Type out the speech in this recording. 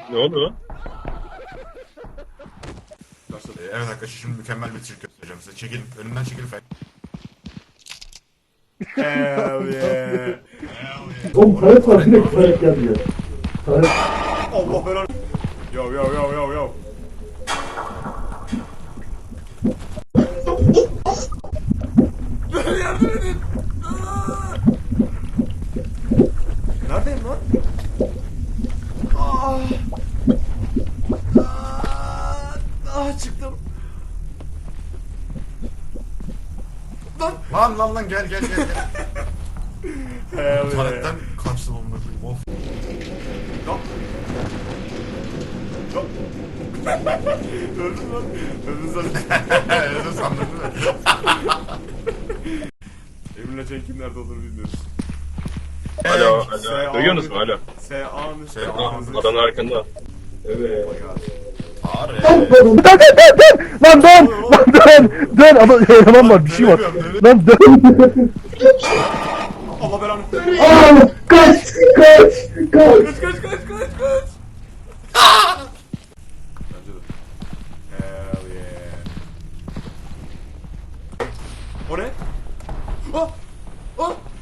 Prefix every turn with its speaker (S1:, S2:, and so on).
S1: Ne oldu?
S2: Evet arkadaşlar şimdi mükemmel bir trik göstereceğim size. Çekilin. Önümden çekilin. Hell yeah.
S3: Oğlum taret var direkt taret gelmiyor. Taret.
S2: Allah belanı. Yo yo yo yo yo. Yardım edin. Neredeyim lan? Çıktım. Lan gel gel. Tuvaletten kaçtım onunla koyayım. Of. Yok. Yok. Öldüm lan. Öldüm sandım. Öldüm sandım değil mi? Eminle Cenk'in nerede olduğunu bilmiyoruz.
S1: Alo. Duyuyorsunuz mu? Alo.
S2: S.A.
S1: Adanın arkanda. Evet.
S3: Lan dön ama eleman var bir şey var. Lan dön.
S2: Allah belanı.
S3: Aa, kaç.
S2: Kaç. Bence de. Hell yeah. O ne? Oh!